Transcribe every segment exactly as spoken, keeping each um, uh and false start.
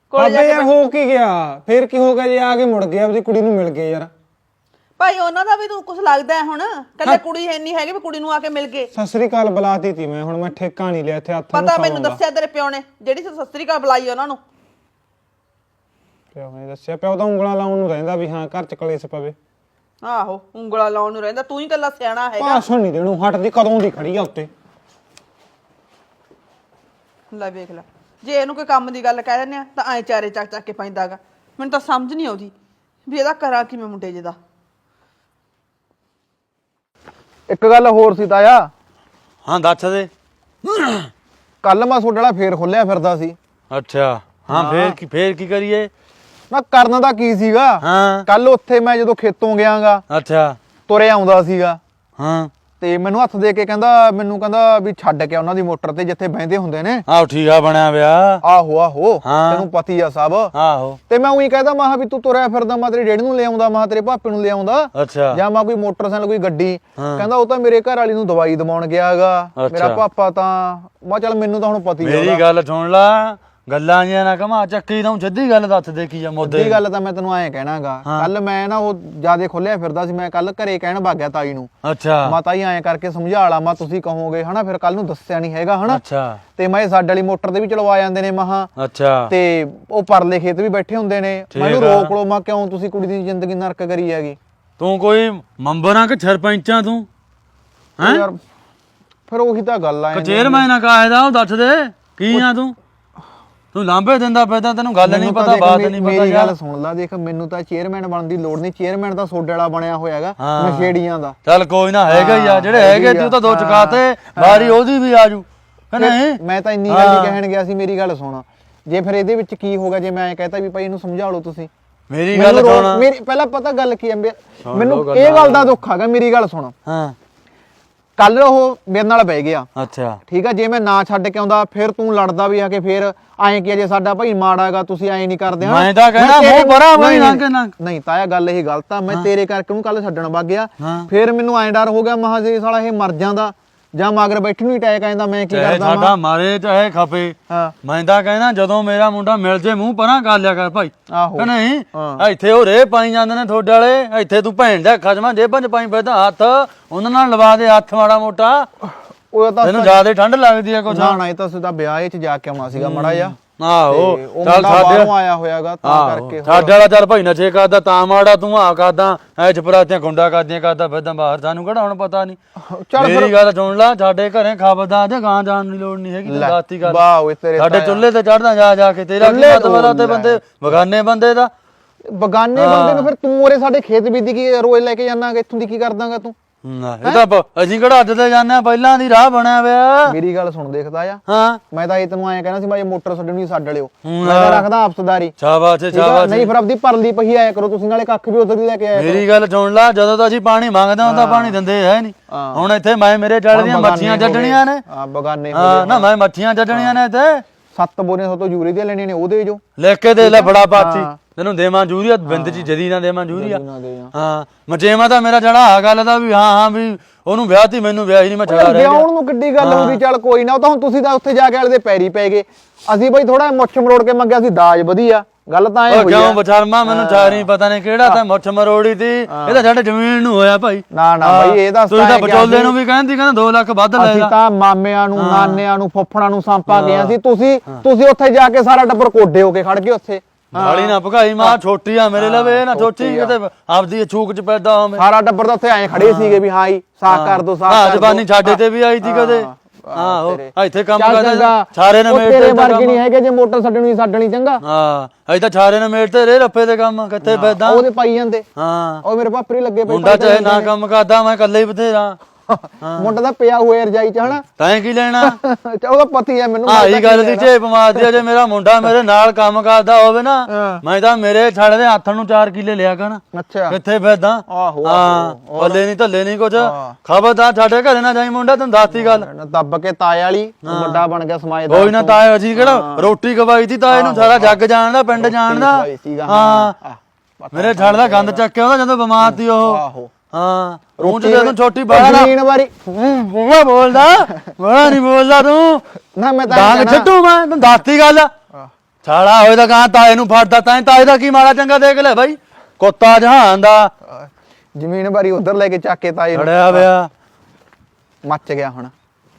ਬਾਬੇ ਯਾਰ ਹੋ ਕੀ ਗਿਆ ਫੇਰ ਕੀ ਹੋ ਗਿਆ ਜੇ ਆ ਕੇ ਮੁੜ ਗਿਆ ਆਪਣੀ ਕੁੜੀ ਨੂੰ ਮਿਲ ਗਏ ਯਾਰ ਭਾਈ ਉਹਨਾਂ ਦਾ ਵੀ ਤੂੰ ਕੁਝ ਲੱਗਦਾ ਹੈ ਹੁਣ ਕੱਲੇ ਕੁੜੀ ਇੰਨੀ ਹੈਗੀ ਵੀ ਕੁੜੀ ਨੂੰ ਆ ਕੇ ਮਿਲ ਗਏ। ਸਤਿ ਸ੍ਰੀ ਅਕਾਲ ਬੁਲਾਤੀ ਤੀ ਮੈਂ ਹੁਣ ਮੈਂ ਠੇਕਾ ਨਹੀਂ ਲਿਆ ਇੱਥੇ ਹੱਥ ਪਤਾ ਮੈਨੂੰ ਦੱਸਿਆ ਤੇਰੇ ਪਿਓ ਨੇ ਜਿਹੜੀ ਸਤਿ ਸ੍ਰੀ ਅਕਾਲ ਬੁਲਾਈ ਉਹਨਾਂ ਨੂੰ। ਪਿਓ ਨੇ ਦੱਸਿਆ ਪਿਓ ਤਾਂ ਉਂਗਲਾਂ ਲਾਉਣ ਨੂੰ ਰਹਿੰਦਾ ਵੀ ਹਾਂ ਘਰ ਚ ਕਲੇਸ਼ ਪਵੇ। ਆਹੋ ਉਂਗਲਾ ਲਾਉਣ ਨੂੰ ਰਹਿੰਦਾ ਤੂੰ ਹੀ ਕੱਲਾ ਸਿਆਣਾ ਹੈਗਾ। ਭਾਸ਼ਣ ਨਹੀਂ ਦੇਣੂ ਹਟਦੀ ਕਦੋਂ ਦੀ ਖੜੀ ਆ ਉੱਤੇ। ਲੈ ਵੇਖ ਲੈ ਜੇ ਇਹਨੂੰ ਕੋਈ ਕੰਮ ਦੀ ਗੱਲ ਕਹਿ ਦਿੰਦੇ ਆ ਤਾਂ ਐ ਚਾਰੇ ਚੱਕ ਚੱਕ ਕੇ ਪੈਂਦਾਗਾ। ਮੈਨੂੰ ਤਾਂ ਸਮਝ ਨਹੀਂ ਆਉਂਦੀ ਵੀ ਇਹਦਾ ਕਰਾਂ ਕਿਵੇਂ ਮੁੰਡੇ ਜਿਹਦਾ। ਇੱਕ ਗੱਲ ਹੋਰ ਸੀ ਤਾਇਆ। ਹਾਂ ਦੱਸ ਦੇ। ਕੱਲ ਮੈਂ ਤੁਹਾਡੇ ਵਾਲਾ ਫੇਰ ਖੋਲਿਆ ਫਿਰਦਾ ਸੀ। ਅੱਛਾ ਹਾਂ ਫੇਰ ਕੀ ਫੇਰ ਕੀ ਕਰੀਏ? ਮੈਂ ਕਰਨ ਦਾ ਕੀ ਸੀਗਾ ਹਾਂ ਕੱਲ ਉੱਥੇ ਮੈਂ ਜਦੋਂ ਖੇਤੋਂ ਗਿਆਗਾ ਅੱਛਾ ਤੁਰੇ ਆਉਂਦਾ ਸੀਗਾ ਹਾਂ ਤੇ ਮੈਨੂੰ ਹੱਥ ਦੇ ਕੇ ਕਹਿੰਦਾ ਮੈਨੂੰ ਕਹਿੰਦਾ ਵੀ ਛੱਡ ਕੇ ਉਹਨਾਂ ਦੀ ਮੋਟਰ ਤੇ ਜਿੱਥੇ ਬਹਿੰਦੇ ਹੁੰਦੇ ਨੇ। ਆਹੋ ਠੀਕ ਆ ਬਣਿਆ ਵਿਆਹ। ਆਹੋ ਆਹੋ ਹਾਂ। ਤੈਨੂੰ ਪਤੀ ਆ ਸਭ। ਆਹੋ ਤੇ ਮੈਂ ਉਹੀ ਕਹਿੰਦਾ ਮੈਂ ਵੀ ਤੂੰ ਤੁਰਿਆ ਫਿਰਦਾ ਮੈਂ ਤੇਰੀ ਡੈਡੀ ਨੂੰ ਲੈ ਆਉਂਦਾ ਮੈਂ ਤੇਰੇ ਭਾਪੇ ਨੂੰ ਲੈ ਆਉਂਦਾ ਅੱਛਾ ਜਾਂ ਮੈਂ ਕੋਈ ਮੋਟਰਸਾਈਕਲ ਕੋਈ ਗੱਡੀ। ਕਹਿੰਦਾ ਉਹ ਤਾਂ ਮੇਰੇ ਘਰ ਵਾਲੀ ਨੂੰ ਦਵਾਈ ਦਵਾਉਣ ਗਿਆਗਾ ਮੇਰਾ ਪਾਪਾ ਤਾਂ। ਮੈਂ ਚੱਲ ਮੈਨੂੰ ਤਾਂ ਹੁਣ ਪਤੀ ਆ। ਮੇਰੀ ਗੱਲ ਸੁਣ ਲਾ ਗੱਲਾਂ ਜੀਆਂ ਨਾ ਕਮਾ ਚੱਕੀ ਤਾਂ ਸਿੱਧੀ ਗੱਲ ਦੱਸ ਦੇ ਕੀ ਆ ਮੁੱਦੇ ਦੀ ਗੱਲ ਤਾਂ ਮੈਂ ਤੈਨੂੰ ਐਂ ਕਹਿਣਾਗਾ ਕੱਲ ਮੈਂ ਨਾ ਉਹ ਜਿਆਦੇ ਖੋਲਿਆ ਫਿਰਦਾ ਸੀ ਮੈਂ ਕੱਲ ਘਰੇ ਕਹਿਣ ਭੱਗ ਗਿਆ ਤਾਈ ਨੂੰ। ਅੱਛਾ ਮੈਂ ਤਾਈ ਐਂ ਕਰਕੇ ਸਮਝਾ ਲਾ ਮੈਂ ਤੁਸੀਂ ਕਹੋਗੇ ਹਨਾ ਫਿਰ ਕੱਲ ਨੂੰ ਦੱਸਿਆ ਨਹੀਂ ਹੈਗਾ ਹਨਾ। ਅੱਛਾ ਤੇ ਮੈਂ ਸਾਡੇ ਵਾਲੀ ਮੋਟਰ ਤੇ ਵੀ ਚਲਵਾ ਜਾਂਦੇ ਨੇ ਮਹਾ। ਅੱਛਾ ਤੇ ਉਹ ਪਰਲੇ ਖੇਤ ਵੀ ਬੈਠੇ ਹੁੰਦੇ ਨੇ ਮੈਨੂੰ ਰੋਕ ਲੋ ਮੈਂ ਕਿਉਂ ਤੁਸੀਂ ਕੁੜੀ ਦੀ ਜ਼ਿੰਦਗੀ ਨਰਕ ਕਰੀ ਹੈਗੀ। ਤੂੰ ਕੋਈ ਮੰਬਰਾਂ ਕਿ ਸਰਪੰਚਾਂ ਤੂੰ ਹੈ ਯਾਰ ਫਿਰ ਉਹੀ ਤਾਂ ਗੱਲ ਆ। ਚੇਅਰਮੈਨ ਆ ਕਾਇਦਾ ਉਹ ਦੱਸ ਦੇ ਕੀ ਆ ਤੂੰ ਤੂੰ ਲਾਂਭੇ ਦਿੰਦਾ ਪੈਦਾ ਤੈਨੂੰ ਗੱਲ ਨਹੀਂ ਪਤਾ ਬਾਤ ਨਹੀਂ ਪਤਾ। ਮੇਰੀ ਗੱਲ ਸੁਣ ਲੈ ਦੇਖ ਮੈਨੂੰ ਤਾਂ ਚੇਅਰਮੈਨ ਬਣਨ ਦੀ ਲੋੜ ਨਹੀਂ। ਚੇਅਰਮੈਨ ਤਾਂ ਸੋਡੇ ਵਾਲਾ ਬਣਿਆ ਹੋਇਆ ਹੈਗਾ ਨਸ਼ੇੜੀਆਂ ਦਾ। ਚੱਲ ਕੋਈ ਨਾ ਹੈਗਾ ਹੀ ਆ ਜਿਹੜੇ ਹੈਗੇ ਤੂੰ ਤਾਂ ਦੋ ਚਕਾਤੇ ਵਾਰੀ ਉਹਦੀ ਵੀ ਆਜੂ ਨਹੀਂ। ਮੈਂ ਤਾਂ ਇੰਨੀ ਗੱਲ ਹੀ ਕਹਿਣ ਗਿਆ ਸੀ ਮੇਰੀ ਗੱਲ ਸੁਣ ਜੇ ਫਿਰ ਇਹਦੇ ਵਿੱਚ ਕੀ ਹੋਗਾ ਜੇ ਮੈਂ ਕਹਤਾ ਵੀ ਭਾਈ ਇਹਨੂੰ ਸਮਝਾ ਲਓ ਤੁਸੀਂ। ਮੇਰੀ ਗੱਲ ਸੁਣ ਮੇਰੀ ਪਹਿਲਾਂ ਪਤਾ ਗੱਲ ਕੀ ਹੈ ਮੈਨੂੰ ਇਹ ਗੱਲ ਦਾ ਦੁੱਖ ਹੈਗਾ। ਮੇਰੀ ਗੱਲ ਸੁਣ ਹਾਂ ਕੱਲ ਉਹ ਮੇਰੇ ਨਾਲ ਬਹਿ ਗਿਆ ਅੱਛਾ ਠੀਕ ਆ ਜੇ ਮੈਂ ਨਾ ਛੱਡ ਕੇ ਆਉਂਦਾ ਫਿਰ ਤੂੰ ਲੜਦਾ ਵੀ ਆ ਕੇ ਫਿਰ ਐਂ ਕੀ ਜੇ ਸਾਡਾ ਭਾਈ ਮਾੜਾਗਾ ਤੁਸੀਂ ਐਂ ਨਹੀਂ ਕਰਦੇ। ਮੈਂ ਤਾਂ ਕਹਿੰਦਾ ਮੂੰਹ ਬੜਾ ਬਈ ਨਾ ਕਿ ਨਾ ਨਹੀਂ ਤਾਇਆ ਗੱਲ ਇਹ ਗਲਤ ਆ। ਮੈਂ ਤੇਰੇ ਕਰਕੇ ਉਹਨੂੰ ਕੱਲ ਛੱਡਣ ਵਗ ਗਿਆ ਫਿਰ ਮੈਨੂੰ ਐਂ ਡਰ ਹੋ ਗਿਆ ਮਹਾ ਜੇ ਸਾਲਾ ਇਹ ਮਰ ਜਾਂਦਾ ਜਾਂ ਮਗਰ ਬੈਠਣ ਨੂੰ ਅਟੈਕ ਆਂਦਾ ਮੈਂ ਕੀ ਕਰਦਾ। ਸਾਡਾ ਮਾਰੇ ਚਾਹੇ ਖਪੇ ਮੈਂ ਤਾਂ ਕਹਿੰਦਾ ਜਦੋਂ ਮੇਰਾ ਮੁੰਡਾ ਮਿਲ ਜੇ ਮੂੰਹ ਪਰਾਂ ਕਰ ਲਿਆ ਕਰ ਭਾਈ। ਆਹੋ ਨਹੀਂ ਇੱਥੇ ਉਹ ਰੇ ਪਾਈ ਜਾਂਦੇ ਨੇ ਤੁਹਾਡੇ ਵਾਲੇ ਇੱਥੇ ਤੂੰ ਭੈਣ ਦਾ ਖਜਮਾ ਜੇਬਾਂ ਚ ਪਾਈ ਫਿਰਦਾ ਹੱਥ ਉਹਨਾਂ ਨਾਲ ਲਵਾ ਦੇ ਹੱਥ ਮਾੜਾ ਮੋਟਾ। ਉਹ ਤਾਂ ਤੈਨੂੰ ਜ਼ਿਆਦਾ ਠੰਡ ਲੱਗਦੀ ਆ ਕੁਛ ਨਾ ਨਾ ਇਹ ਤਾਂ ਸਿੱਧਾ ਵਿਆਹ ਚ ਜਾ ਕੇ ਆਉਣਾ ਸੀਗਾ ਮੜਾ ਜਾ। ਆਹੋ ਚੱਲ ਸਾਡੇ ਆਇਆ ਹੋਇਆਗਾ ਤਾਂ ਕਰਕੇ ਸਾਡੇ ਵਾਲਾ ਚੱਲ ਭਾਈ ਨਸ਼ੇ ਕਰਦਾ ਤਾਂ ਮਾੜਾ ਤੂੰ ਆ ਕਰਦਾ ਐ ਚਪਰਾਤੀਆਂ ਗੁੰਡਾ ਕਰਦੀਆਂ ਕਰਦਾ ਫਿਰਦਾ ਬਾਹਰ ਸਾਨੂੰ ਕਿਹੜਾ ਹੁਣ ਪਤਾ ਨਹੀਂ। ਮੇਰੀ ਗੱਲ ਸੁਣ ਲਾ ਸਾਡੇ ਘਰੇ ਖਾਬਦਾ ਤੇ ਗਾਂ ਜਾਣ ਦੀ ਲੋੜ ਨਹੀਂ ਹੈਗੀ ਦਾਤੀ ਕਰ ਸਾਡੇ ਚੁੱਲ੍ਹੇ ਤੇ ਚੜਦਾ ਜਾ ਜਾ ਕੇ ਤੇਰਾ ਕੀ ਮਤਲਬ ਤੇ ਬੰਦੇ ਬਗਾਨੇ ਬੰਦੇ ਦਾ ਬਗਾਨੇ ਬੰਦੇ ਨੂੰ ਫਿਰ ਤੂੰ ਉਰੇ ਸਾਡੇ ਖੇਤ ਬੀਦੀ ਕੀ ਰੋਜ਼ ਲੈ ਕੇ ਜਾਣਾਗਾ ਇੱਥੋਂ ਦੀ ਕੀ ਕਰਦਾਗਾ ਤੂੰ। ਇਹ ਤਾਂ ਅਸੀਂ ਕਿਹੜਾ ਅੱਜ ਤੇ ਜਾਂਦੇ ਆ ਪਹਿਲਾਂ ਦੀ ਰਾਹ ਬਣਿਆ ਹੋਇਆ। ਮੇਰੀ ਗੱਲ ਸੁਣ ਦੇਖਦਾ ਆ ਹਾਂ ਮੈਂ ਤਾਂ ਇਹ ਤੈਨੂੰ ਐਂ ਕਹਿਣਾ ਸੀ ਮੈਂ ਮੋਟਰ ਛੱਡਣੀ ਛੱਡ ਲਿਓ ਮੈਂ ਤਾਂ ਰੱਖਦਾ ਆਪਸਦਾਰੀ। ਸ਼ਾਬਾਸ਼ ਸ਼ਾਬਾਸ਼ ਨਹੀਂ ਫਿਰ ਆਪਦੀ ਪਰਲੀ ਪਹੀ ਆਇਆ ਕਰੋ ਤੁਸੀਂ ਨਾਲੇ ਕੱਖ ਵੀ ਉਧਰ ਦੀ ਲੈ ਕੇ ਆਇਆ। ਮੇਰੀ ਗੱਲ ਸੁਣ ਲਾ ਜਦੋਂ ਤਾਂ ਅਸੀਂ ਪਾਣੀ ਮੰਗਦੇ ਹਾਂ ਤਾਂ ਪਾਣੀ ਦਿੰਦੇ ਹੈ ਨਹੀਂ। ਹੁਣ ਇੱਥੇ ਮੈਂ ਮੇਰੇ ਚੱਲ ਦੀਆਂ ਮੱਛੀਆਂ ਛੱਡਣੀਆਂ ਨੇ। ਹਾਂ ਬਗਾਨੇ ਹਾਂ ਨਾ ਮੈਂ ਮੱਛੀਆਂ ਛੱਡਣੀਆਂ ਨੇ ਇੱਥੇ ਸੱਤ ਬੋਰੀਆਂ ਤੋਂ ਯੂਰੀ ਦੀਆਂ ਲੈਣੀਆਂ ਨੇ ਉਹਦੇ ਜੋ ਲਿਖ ਕੇ ਦੇ ਲੈ ਬੜਾ ਪਾਤੀ ਤੈਨੂੰ ਦੇਵਾਂ ਜੂਰੀਆ ਬਿੰਦ ਚ ਜਦੀ ਨਾ ਦੇਵਾਂ ਜੂਰੀਆ। ਹਾਂ ਮਚੇਵਾ ਤਾਂ ਮੇਰਾ ਜੜਾ ਆ ਗੱਲ ਦਾ ਵੀ ਹਾਂ ਹਾਂ ਵੀ ਉਹਨੂੰ ਵਿਆਹ ਤੀ ਮੈਨੂੰ ਵਿਆਹ ਹੀ ਨਹੀਂ ਮੈਂ ਛੜਾ ਰਿਹਾ। ਵਿਆਹਣ ਨੂੰ ਕਿੱਡੀ ਗੱਲ ਹੁੰਦੀ ਚੱਲ ਕੋਈ ਨਾ ਉਹ ਤਾਂ ਹੁਣ ਤੁਸੀਂ ਤਾਂ ਉੱਥੇ ਜਾ ਕੇ ਵਾਲੇ ਦੇ ਪੈਰੀ ਪੈ ਗਏ। ਅਸੀਂ ਬਈ ਥੋੜਾ ਮੁੱਛ ਮਰੋੜ ਕੇ ਮੰਗਿਆ ਸੀ ਦਾਜ ਵਧੀਆ ਗੱਲ ਤਾਂ ਐ ਹੋਈ ਕਿਉਂ ਬਚਰਮਾ ਮੈਨੂੰ ਚਾਰੀ ਪਤਾ ਨਹੀਂ ਕਿਹੜਾ ਤਾਂ ਮੁੱਛ ਮਰੋੜੀ ਤੀ ਇਹ ਤਾਂ ਸਾਡੇ ਜ਼ਮੀਨ ਨੂੰ ਹੋਇਆ ਭਾਈ। ਨਾ ਨਾ ਬਈ ਇਹ ਤਾਂ ਤੂੰ ਤਾਂ ਵਿਚੋਲੇ ਨੂੰ ਵੀ ਕਹਿੰਦੀ ਕਹਿੰਦਾ ਦੋ ਲੱਖ ਵੱਧ ਲੈ ਅਸੀਂ ਤਾਂ ਮਾਮਿਆਂ ਨੂੰ ਨਾਨਿਆਂ ਨੂੰ ਫੁੱਫੜਾਂ ਨੂੰ ਸਾਂਪਾ ਗਿਆ ਸੀ ਤੁਸੀਂ ਤੁਸੀਂ ਉੱਥੇ ਜਾ ਕੇ ਸਾਰਾ ਟੱਬਰ ਕੋਡੇ ਹੋ ਕੇ ਖੜ ਗਏ ਉੱਥੇ। ਨਾਲੀ ਨਾ ਭਗਾਈ ਮਾਂ ਛੋਟੀ ਆ ਮੇਰੇ ਲਵੇ ਨਾ ਛੋਟੀ ਕਿਤੇ ਆਪਦੀ ਛੂਕ ਚ ਪੈਦਾ ਹੋਵੇ। ਸਾਰਾ ਟੱਬਰ ਤਾਂ ਉੱਥੇ ਐ ਖੜੇ ਸੀਗੇ ਵੀ ਹਾਂ ਹੀ ਸਾਖ ਕਰ ਦੋ ਸਾਖ ਕਰ ਦੋ। ਜ਼ਬਾਨੀ ਛਾੜੇ ਤੇ ਵੀ ਆਈ ਸੀ ਕਦੇ। ਆਹੋ ਇੱਥੇ ਕੰਮ ਕਰਦਾ ਸਾਰੇ ਨੇ ਮੇਟ ਤੇਰੇ ਵਰਗੇ ਨਹੀਂ ਹੈਗੇ ਜੇ ਮੋਟਰ ਛੱਡਣੀ ਛੱਡਣੀ ਚੰਗਾ। ਹਾਂ ਅਸੀਂ ਤਾਂ ਸਾਰੇ ਨੇ ਮੇਟ ਤੇ ਰੇ ਰੱਫੇ ਦੇ ਕੰਮ ਕਿੱਥੇ ਪੈਦਾ ਉਹਦੇ ਪਾਈ ਜਾਂਦੇ। ਹਾਂ ਉਹ ਮੇਰੇ ਪਾਪਰੀ ਲੱਗੇ ਪਏ ਮੁੰਡਾ ਚਾਹੇ ਨਾ ਕੰਮ ਕਰਦਾ ਮੈਂ ਇਕੱਲੇ ਹੀ ਬਥੇਰਾ। ਮੁੰਡਾ ਤਾਂ ਪਿਆ ਹੋਇਆ ਰਜਾਈ ਚ ਹਨਾ ਤੈਂ ਕੀ ਲੈਣਾ। ਉਹਦਾ ਪਤੀ ਹੈ ਮੈਨੂੰ ਆਹੀ ਗੱਲ ਦੀ ਝੇਪ ਮਾਰਦੀ ਆ ਜੇ ਮੇਰਾ ਮੁੰਡਾ ਮੇਰੇ ਨਾਲ ਕੰਮ ਕਰਦਾ ਹੋਵੇ ਨਾ ਮੈਂ ਤਾਂ ਮੇਰੇ ਛੜ ਦੇ ਹੱਥ ਨੂੰ ਚਾਰ ਕਿੱਲੇ ਲਿਆ ਕਰਾਂ। ਅੱਛਾ ਕਿੱਥੇ ਫੈਦਾ। ਆਹੋ ਹਾਂ ਬੱਲੇ ਨਹੀਂ ਧੱਲੇ ਨਹੀਂ ਕੁਝ ਖਬਰਦਾਰ ਸਾਡੇ ਘਰੇ ਨਾ ਜਾਈ ਮੁੰਡਾ ਤੈਨੂੰ ਦੱਸਤੀ ਗੱਲ। ਦੱਬ ਕੇ ਤਾਏ ਵਾਲੀ ਵੱਡਾ ਬਣ ਗਿਆ ਸਮਾਜ ਦਾ। ਕੋਈ ਨਾ ਤਾਏ ਅਸੀਂ ਕਿਹੜਾ ਰੋਟੀ ਖਵਾਈ ਤੀ ਤਾਏ ਨੂੰ ਸਾਰਾ ਜੱਗ ਜਾਣਦਾ ਪਿੰਡ ਜਾਣਦਾ। ਹਾਂ ਮੇਰੇ ਛੜ ਦਾ ਗੰਦ ਚੱਕਿਆ ਉਹਦਾ ਜਦੋਂ ਬਿਮਾਰ ਸੀ ਉਹ। ਆਹੋ ਹਾਂ ਰੂਹ ਚ ਜਦੋਂ ਛੋਟੀ ਬਾਹਰ ਤੀਨ ਵਾਰੀ ਬੂਆ ਬੋਲਦਾ ਬੜਾ ਨਹੀਂ ਬੋਲਦਾ ਤੂੰ ਨਾ ਮੈਂ ਤਾਂ ਡਾਂਗ ਛੱਡੂ ਮੈਂ ਤੈਨੂੰ ਦੱਸਤੀ ਗੱਲ। ਛਾਲਾ ਹੋਏ ਤਾਂ ਕਹਾਂ ਤਾਏ ਨੂੰ ਫੜਦਾ ਤਾਂ ਤਾਏ ਦਾ ਕੀ ਮਾੜਾ ਚੰਗਾ ਦੇਖ ਲੈ ਬਾਈ ਕੁੱਤਾ ਜਹਾਨ ਦਾ ਜ਼ਮੀਨ ਬਾਰੀ ਉਧਰ ਲੈ ਕੇ ਚੱਕ ਕੇ ਤਾਏ ਨੂੰ ਖੜਿਆ ਪਿਆ ਮੱਚ ਗਿਆ ਹੁਣ।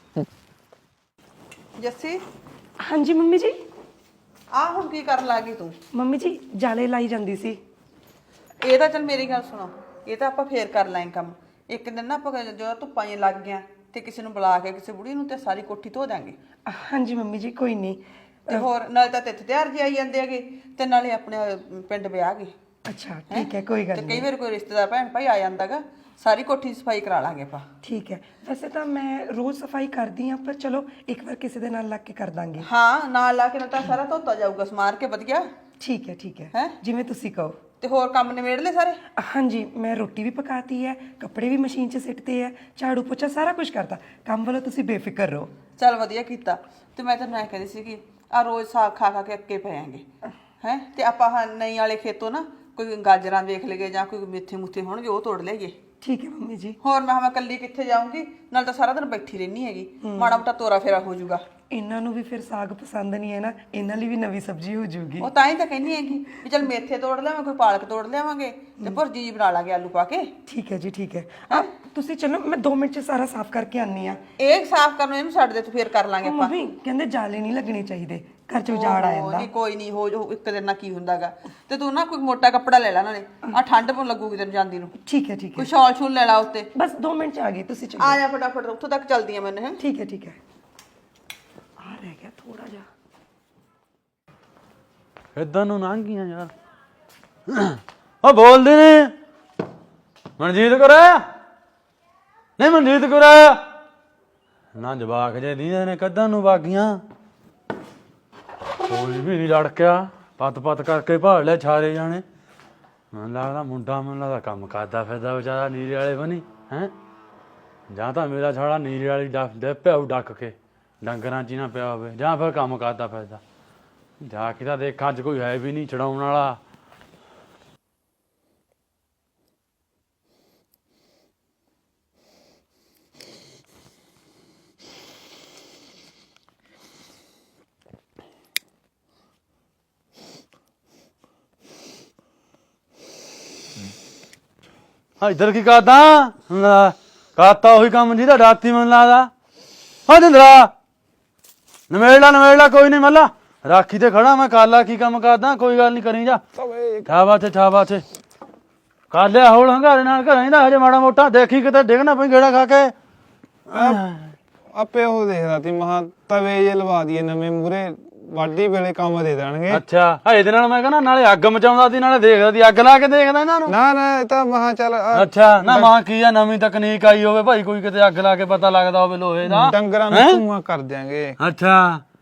ਜੱਸੀ ਹਾਂਜੀ ਮੰਮੀ ਜੀ। ਆ ਹੁਣ ਕੀ ਕਰਨ ਲੱਗੀ ਤੂੰ? ਮੰਮੀ ਜੀ ਜਾਲੇ ਲਾਈ ਜਾਂਦੀ ਸੀ। ਇਹ ਤਾਂ ਚੱਲ ਮੇਰੀ ਗੱਲ ਸੁਣੋ, ਇਹ ਤਾਂ ਆਪਾਂ ਫੇਰ ਕਰ ਲਾਂਗੇ ਕੰਮ। ਇੱਕ ਦਿਨ ਨਾ ਆਪਾਂ ਜਦੋਂ ਧੁੱਪਾਂ ਜਿਹੀਆਂ ਲੱਗ ਗਿਆ ਤੇ ਕਿਸੇ ਨੂੰ ਬੁਲਾ ਕੇ ਕਿਸੇ ਬੁੜੀ ਨੂੰ ਤੇ ਸਾਰੀ ਕੋਠੀ ਧੋ ਦਾਂਗੇ। ਹਾਂਜੀ ਮੰਮੀ ਜੀ ਕੋਈ ਨਹੀਂ। ਤੇ ਹੋਰ ਨਾਲੇ ਤਾਂ ਤਿੱਥ ਤਿਆਰ ਜੀ ਆਈ ਜਾਂਦੇ ਹੈਗੇ ਤੇ ਨਾਲੇ ਆਪਣੇ ਪਿੰਡ ਵਿਆਹ ਗਏ। ਅੱਛਾ ਠੀਕ ਹੈ ਕੋਈ ਗੱਲ ਤੇ ਨਹੀਂ। ਕਈ ਵਾਰ ਕੋਈ ਰਿਸ਼ਤੇਦਾਰ ਭੈਣ ਭਾਈ ਆ ਜਾਂਦਾਗਾ, ਸਾਰੀ ਕੋਠੀ ਦੀ ਸਫਾਈ ਕਰਾ ਲਾਂਗੇ ਆਪਾਂ। ਠੀਕ ਹੈ ਵੈਸੇ ਤਾਂ ਮੈਂ ਰੋਜ਼ ਸਫਾਈ ਕਰਦੀ ਹਾਂ ਪਰ ਚਲੋ ਇੱਕ ਵਾਰ ਕਿਸੇ ਦੇ ਨਾਲ ਲੱਗ ਕੇ ਕਰ ਦਾਂਗੇ। ਹਾਂ ਨਾਲ ਲਾ ਕੇ ਨਾ ਤਾਂ ਸਾਰਾ ਧੋਤਾ ਜਾਊਗਾ ਸਮਾਰ ਕੇ ਵਧੀਆ। ਠੀਕ ਹੈ ਠੀਕ ਹੈ ਹੈਂ? ਜਿਵੇਂ ਤੁਸੀਂ ਕਹੋ। ਤੇ ਹੋਰ ਕੰਮ ਨਿਬੇੜ ਲੈ ਸਾਰੇ? ਹਾਂਜੀ ਮੈਂ ਰੋਟੀ ਵੀ ਪਕਾਤੀ ਹੈ, ਕੱਪੜੇ ਵੀ ਮਸ਼ੀਨ 'ਚ ਸਿੱਟਦੇ ਹੈ, ਝਾੜੂ ਪੋਚਾ ਸਾਰਾ ਕੁਝ ਕਰਤਾ। ਕੰਮ ਵੱਲੋਂ ਤੁਸੀਂ ਬੇਫਿਕਰ ਰਹੋ। ਚੱਲ ਵਧੀਆ ਕੀਤਾ। ਤੇ ਮੈਂ ਤੈਨੂੰ ਐ ਕਹਿੰਦੀ ਸੀ ਕਿ ਆ ਰੋਜ਼ ਸਾਗ ਖਾ ਖਾ ਕੇ ਅੱਕੇ ਪਏਾਂਗੇ ਹੈ ਤੇ ਆਪਾਂ ਆਹ ਨਈ ਵਾਲੇ ਖੇਤੋਂ ਨਾ ਕੋਈ ਗਾਜਰਾਂ ਵੇਖ ਲਈਏ ਜਾਂ ਕੋਈ ਮੇਥੇ ਮੁੱਥੇ ਹੋਣਗੇ ਉਹ ਤੋੜ ਲਈਏ। ਠੀਕ ਹੈ ਮੰਮੀ ਜੀ। ਹੋਰ ਮੈਂ ਮੈਂ ਕੱਲੀ ਕਿੱਥੇ ਜਾਊਂਗੀ, ਨਾਲ ਤਾਂ ਸਾਰਾ ਦਿਨ ਬੈਠੀ ਰਹਿਣੀ ਹੈਗੀ, ਮਾੜਾ ਮੋਟਾ ਤੋਰਾ ਫੇਰਾ ਹੋ ਜਾਊਗਾ। ਇਹਨਾਂ ਨੂੰ ਵੀ ਫਿਰ ਸਾਗ ਪਸੰਦ ਨਹੀਂ ਹੈ ਨਾ, ਇਹਨਾਂ ਲਈ ਵੀ ਨਵੀਂ ਸਬਜ਼ੀ ਹੋ ਜਾਊਗੀ। ਉਹ ਤਾਂ ਹੀ ਤਾਂ ਕਹਿੰਦੀ ਹੈਗੀ ਵੀ ਚੱਲ ਮੇਥੇ ਤੋੜ ਲਿਆਵਾਂ, ਕੋਈ ਪਾਲਕ ਤੋੜ ਲਿਆਵਾਂਗੇ ਤੇ ਭੁਰਜੀ ਜੀ ਬਣਾ ਲਾਂਗੇ ਆਲੂ ਪਾ ਕੇ। ਠੀਕ ਹੈ ਜੀ ਠੀਕ ਹੈ। ਆ ਤੁਸੀਂ ਚਲੋ ਮੈਂ ਦੋ ਮਿੰਟ 'ਚ ਸਾਰਾ ਸਾਫ਼ ਕਰਕੇ ਆਨੀ ਆ। ਇਹ ਸਾਫ਼ ਕਰਨ ਨੂੰ ਇਹਨੂੰ ਛੱਡ ਦੇ ਤੂੰ, ਫੇਰ ਕਰ ਲਾਂਗੇ ਆਪਾਂ। ਮੰਮੀ ਕਹਿੰਦੇ ਜਾਲੇ ਨਹੀਂ ਲੱਗਣੇ ਚਾਹੀਦੇ, ਘਰ 'ਚ ਉਜਾੜ ਆ ਜਾਂਦਾ। ਨਹੀਂ ਕੋਈ ਨਹੀਂ ਹੋ ਜਾਊ, ਇੱਕ ਦਿਨ ਨਾਲ ਕੀ ਹੁੰਦਾਗਾ। ਤੇ ਤੂੰ ਨਾ ਕੋਈ ਮੋਟਾ ਕੱਪੜਾ ਲੈ ਲੈ ਨਾਲੇ, ਆ ਠੰਡ ਪਉ ਲੱਗੂਗੀ ਤੈਨੂੰ ਜਾਂਦੀ ਨੂੰ। ਠੀਕ ਹੈ ਠੀਕ ਹੈ ਕੋਈ ਸ਼ਾਲ ਸ਼ੂਲ ਲੈ ਲਾ ਉੱਤੇ। ਬਸ ਦੋ ਮਿੰਟ 'ਚ ਆ ਗਈ, ਤੁਸੀਂ ਚਲੋ। ਆ ਜਾ ਫਟਾਫਟ, ਉੱਥੋਂ ਤੱਕ ਚੱਲਦੀ ਆ ਮੈਨੂੰ। ਹੈ ਠੀਕ ਹੈ ਠੀਕ ਹੈ। ਆ ਰਹਿ ਗਿਆ ਥੋੜਾ ਜਿਹਾ। ਇਦਾਂ ਨੂੰ ਲੰਘ ਗਈਆਂ ਯਾਰ। ਉਹ ਬੋਲਦੇ ਨੇ ਮਨਜੀਤ ਕਰਾਇਆ ਨਹੀਂ, ਮਨਜੀਤ ਕਰਾਇਆ ਨਾ ਜਵਾਕ ਜੇ ਦੀਆਂ ਨੇ ਕੱਦਾਂ ਨੂੰ ਵਾਗੀਆਂ। ਕੋਈ ਵੀ ਨਹੀਂ ਲੜਕਿਆ, ਪੱਤ ਪੱਤ ਕਰਕੇ ਭਾਲ ਲਿਆ ਛਾਰੇ ਜਾਣੇ। ਮੈਨੂੰ ਲੱਗਦਾ ਮੁੰਡਾ ਮੈਨੂੰ ਲੱਗਦਾ ਕੰਮ ਕਰਦਾ ਫਿਰਦਾ ਵਿਚਾਰਾ ਨੀਰੇ ਵਾਲੇ ਬਣੀ ਹੈ, ਜਾਂ ਤਾਂ ਮੇਰਾ ਛਾੜਾ ਨੀਰੇ ਵਾਲੀ ਡੱਕ ਦੇ ਪਿਆ ਡੱਕ ਕੇ ਡੰਗਰਾਂ 'ਚ ਹੀ ਨਾ ਪਿਆ ਹੋਵੇ, ਜਾਂ ਫਿਰ ਕੰਮ ਕਰਦਾ ਫਿਰਦਾ। ਜਾ ਕੇ ਤਾਂ ਦੇਖਾਂ ਅੱਜ ਕੋਈ ਹੈ ਵੀ ਨਹੀਂ ਛਡਾਉਣ ਵਾਲਾ। ਹਾਂ ਇੱਧਰ ਕੀ ਕਰਦਾ? ਕਰਤਾ ਉਹੀ ਕੰਮ ਜਿਹਦਾ ਰਾਤੀ ਮੈਨੂੰ ਲੱਗਦਾ। ਹਾਂ ਜਿੰਦਰਾ ਨਵੇੜਲਾ ਨਵੇੜਲਾ ਕੋਈ ਨਹੀਂ ਮੱਲਾ, ਰਾਖੀ ਤੇ ਖੜਾ ਮੈਂ। ਕਾਲਾ ਕੀ ਕੰਮ ਕਰਦਾ? ਕੋਈ ਗੱਲ ਨਹੀਂ ਕਰੀ ਜਾ। ਠਾਵਾ ਤੇ ਠਾਵਾ ਤੇ ਕਰ ਲਿਆ ਹੋਲ ਹੰਗਾਰੇ ਨਾਲ ਘਰਾਂ ਦਾ ਹਜੇ ਮਾੜਾ ਮੋਟਾ ਦੇਖੀ ਕਿਤੇ ਡਿੱਗਣਾ ਪਈ ਗੇੜਾ ਖਾ ਕੇ। ਆਪੇ ਉਹ ਦੇਖਦਾ ਤੀ ਮਹਾ ਤਵੇ ਜੇ ਲਵਾ ਦਈਏ ਨਵੇਂ ਮੂਰੇ, ਵਾਢੀ ਵੇਲੇ ਕੰਮ ਦੇ ਦੇਣਗੇ। ਅੱਛਾ ਇਹਦੇ ਨਾਲ ਮੈਂ ਕਹਿੰਦਾ ਨਾਲੇ ਅੱਗ ਮਚਾਉਂਦਾ ਸੀ ਨਾਲੇ ਦੇਖਦਾ ਸੀ, ਅੱਗ ਲਾ ਕੇ ਦੇਖਦਾ ਇਹਨਾਂ ਨੂੰ। ਨਾ ਨਾ ਇਹ ਤਾਂ ਮਹਾ ਚੱਲ ਆਹ ਅੱਛਾ ਨਾ ਮਾਂ ਕੀ ਆ ਨਵੀਂ ਤਕਨੀਕ ਆਈ ਹੋਵੇ ਭਾਈ, ਕੋਈ ਕਿਤੇ ਅੱਗ ਲਾ ਕੇ ਪਤਾ ਲੱਗਦਾ ਹੋਵੇ ਲੋਹੇ ਦਾ। ਡੰਗਰਾਂ ਨੂੰ ਧੂਆਂ ਕਰ ਦਿਆਂਗੇ। ਅੱਛਾ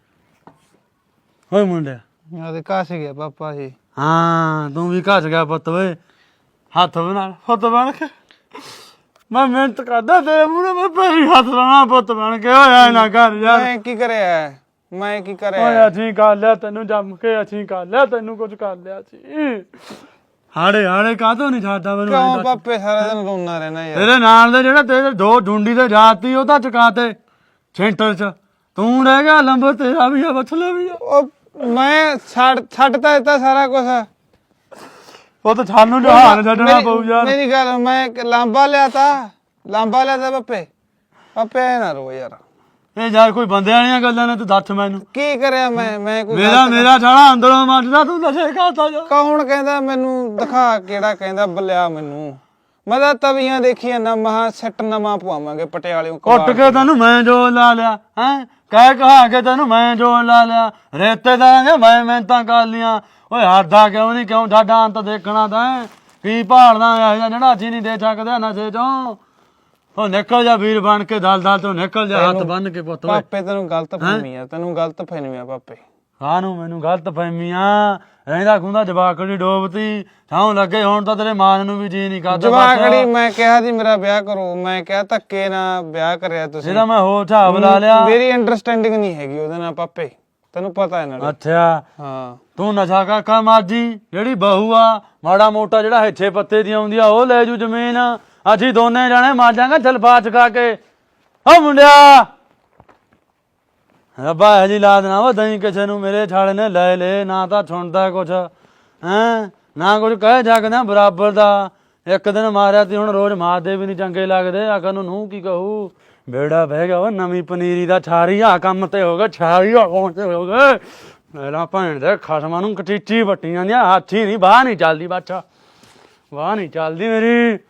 ਹੋਏ ਮੁੰਡਿਆ ਆ ਤੇ ਕਾਸ ਗਿਆ ਪਾਪਾ ਜੀ। ਹਾਂ ਤੂੰ ਵੀ ਘਸ ਗਿਆ ਪੁੱਤ ਵੇ, ਹੱਥ ਬਣਾ ਪੁੱਤ ਬਣ ਕੇ। ਮੈਂ ਮਿਹਨਤ ਕਰਦਾ ਤੇਰੇ ਮੂਹਰੇ, ਮੈਂ ਪੈਰੀ ਹੱਥ ਲਾਉਣਾ ਪੁੱਤ ਬਣ ਕੇ। ਹੋਇਆ ਨਾ ਕਰ ਯਾਰ। ਮੈਂ ਕੀ ਕਰਿਆ ਮੈਂ ਕੀ ਕਰਿਆ? ਓਏ ਅਸੀਂ ਕਰ ਲਿਆ ਤੈਨੂੰ ਜੰਮ ਕੇ, ਅਸੀਂ ਕਰ ਲਿਆ ਤੈਨੂੰ, ਕੁਝ ਕਰ ਲਿਆ ਸੀ। ਹਾੜੇ ਹਾੜੇ ਕਾਹਤੋਂ ਨਹੀਂ ਛੱਡਦਾ ਮੈਨੂੰ? ਕਿਉਂ ਪਾਪੇ ਸਾਰਾ ਦਿਨ ਰੋਣਾ ਰਹਿਣਾ ਯਾਰ? ਤੇਰੇ ਨਾਲ ਦੇ ਜਿਹੜਾ ਤੇਰੇ ਦੋ ਢੂੰਡੀ ਤੇ ਜਾਤੀ ਉਹ ਤਾਂ ਚੁਕਾ ਤੇ ਸੈਂਟਰ 'ਚ, ਤੂੰ ਰਹਿ ਗਿਆ ਲੰਬਰ ਤੇਰਾ ਵੀ ਆ ਬਛਲਾ ਵੀ ਆ। ਉਹ ਮੈਂ ਛੱਡ ਛੱਡਤਾ ਦਿੱਤਾ ਸਾਰਾ ਕੁਝ। ਉਹ ਤਾਂ ਸਾਨੂੰ ਜਹਾਨ ਛੱਡਣਾ ਪਊ ਯਾਰ। ਮੇਰੀ ਗੱਲ, ਮੈਂ ਲਾਂਬਾ ਲਿਆ ਤਾ ਲਾਂਬਾ ਲਿਆ ਤਾ ਪਾਪੇ। ਪਾਪੇ ਐ ਨਾ ਰੋ ਯਾਰ। ਇਹ ਯਾਰ ਕੋਈ ਬੰਦਿਆਂ ਵਾਲੀਆਂ ਗੱਲਾਂ ਨੇ, ਤੂੰ ਦੱਸ ਮੈਨੂੰ ਕੀ ਕਰਿਆ ਮੈਂ? ਮੈਂ ਕੋਈ ਮੇਰਾ ਮੇਰਾ ਛਾਲਾ ਅੰਦਰੋਂ ਮੱਚਦਾ, ਤੂੰ ਨਸ਼ੇ ਖਾਤਾ ਜਾ। ਕੌਣ ਕਹਿੰਦਾ ਮੈਨੂੰ? ਦਿਖਾ ਕਿਹੜਾ ਕਹਿੰਦਾ ਬਲਿਆ ਮੈਨੂੰ? ਮੈਂ ਤਾਂ ਤਵੀਆਂ ਦੇਖੀਆਂ ਨਾ, ਮਹਾ ਸੈੱਟ ਨਵਾਂ ਪਵਾਵਾਂਗੇ ਪਟਿਆਲਿਓਂ। ਕੁੱਟ ਕੇ ਤੈਨੂੰ ਮੈਂ ਜੋ ਲਾ ਲਿਆ ਹੈ, ਕਹਿ ਕਹਾ ਕੇ ਤੈਨੂੰ ਮੈਂ ਜੋ ਲਾ ਲਿਆ। ਰੇਤੇ ਦਾਂਗੇ ਮੈਂ ਮਿਹਨਤਾਂ ਕਰ ਲੀਆਂ। ਓਏ ਹੱਦਾ ਕਿਉਂ ਨਹੀਂ? ਕਿਉਂ ਸਾਡਾ ਅੰਤ ਦੇਖਣਾ ਤੈਂ? ਕੀ ਭਾਲਦਾ ਇਹੋ ਜਿਹਾ ਜਿਹੜਾ ਅਸੀਂ ਨਹੀਂ ਦੇ ਸਕਦੇ ਨਸ਼ੇ ਚੋਂ? ਉਹ ਨਿਕਲ ਜਾ ਵੀਰ ਬਣ ਕੇ, ਦਲ ਦਲ ਤੋਂ ਨਿਕਲ ਜਾ, ਹੱਥ ਬੰਨ ਕੇ ਪੁੱਤ। ਪਾਪੇ ਤੈਨੂੰ ਗਲਤ ਫਹਿਮੀ ਆ, ਤੈਨੂੰ ਗਲਤ ਫਹਿਮੀ ਆ ਪਾਪੇ। ਕਾਹਨੂੰ ਮੈਨੂੰ ਗਲਤ ਫਹਿਮੀਆਂ? ਰਹਿੰਦਾ ਖੁੰਦਾ ਜਵਾਕੜੀ ਡੋਬਤੀ ਥਾਂ ਲੱਗੇ, ਹੁਣ ਤਾਂ ਤੇਰੇ ਮਾਂ ਨੂੰ ਵੀ ਜੀ ਨਹੀਂ ਕਰਦਾ। ਜਵਾਕੜੀ ਮੈਂ ਕਿਹਾ ਸੀ ਮੇਰਾ ਵਿਆਹ ਕਰੋ, ਮੈਂ ਕਿਹਾ ਧੱਕੇ ਨਾਲ ਵਿਆਹ ਕਰਿਆ ਤੁਸੀਂ। ਇਹਦਾ ਮੈਂ ਹੋਰ ਹਿਸਾਬ ਲਾ ਲਿਆ। ਮੇਰੀ ਅੰਡਰਸਟੈਂਡਿੰਗ ਨਹੀਂ ਹੈਗੀ ਉਹਦੇ ਨਾਲ ਪਾਪੇ, ਤੈਨੂੰ ਪਤਾ ਹੈ ਨਾਲ। ਅੱਛਾ ਹਾਂ ਤੂੰ ਨਸ਼ਾ ਕਾਕਾ ਮਾਜੀ, ਜਿਹੜੀ ਬਹੂ ਆ ਮਾੜਾ ਮੋਟਾ ਜਿਹੜਾ ਹਿੱਛੇ ਪੱਤੇ ਦੀ ਆਉਂਦੀ ਆ ਉਹ ਲੈ ਜੂ ਜ਼ਮੀਨ। ਅਸੀਂ ਦੋਨੇ ਜਾਣੇ ਮਾਜਾਂਗੇ ਜਲਫਾ ਚਕਾ ਕੇ। ਓ ਮੁੰਡਿਆ ਰੱਬਾ ਇਹ ਜੀ ਲਾਦ ਨਾ ਵਾ ਦਈ ਕਿਸੇ ਨੂੰ ਮੇਰੇ ਛਾਲੇ ਨੇ ਲੈ ਲੈ ਨਾ ਤਾਂ ਸੁਣਦਾ ਕੁਛ ਹੈਂ ਨਾ ਕੁਝ ਕਹਿ ਸਕਦਾ ਬਰਾਬਰ ਦਾ ਇੱਕ ਦਿਨ ਮਾਰਿਆ ਤੇ ਹੁਣ ਰੋਜ਼ ਮਾਰਦੇ ਵੀ ਨਹੀਂ ਚੰਗੇ ਲੱਗਦੇ ਆਖਰ ਨੂੰ ਨੂੰ ਕੀ ਕਹੂ ਬੇੜਾ ਬਹਿ ਗਿਆ ਵਾ ਨਵੀਂ ਪਨੀਰੀ ਦਾ ਛਾਰੀ ਆ ਕੰਮ ਤੇ ਹੋ ਗਿਆ ਛਾਰੀ ਆ ਕੌਣ ਤੇ ਹੋ ਗਏ ਮੇਰਾ ਭੈਣ ਦੇ ਖਸਮਾਂ ਨੂੰ ਕਟੀਚੀ ਵੱਟੀਆਂ ਦੀਆਂ ਹਾਥੀ ਨਹੀਂ ਬਾਹ ਨਹੀਂ ਚੱਲਦੀ ਬਾਛਾ ਵਾਹ ਨਹੀਂ ਚੱਲਦੀ ਮੇਰੀ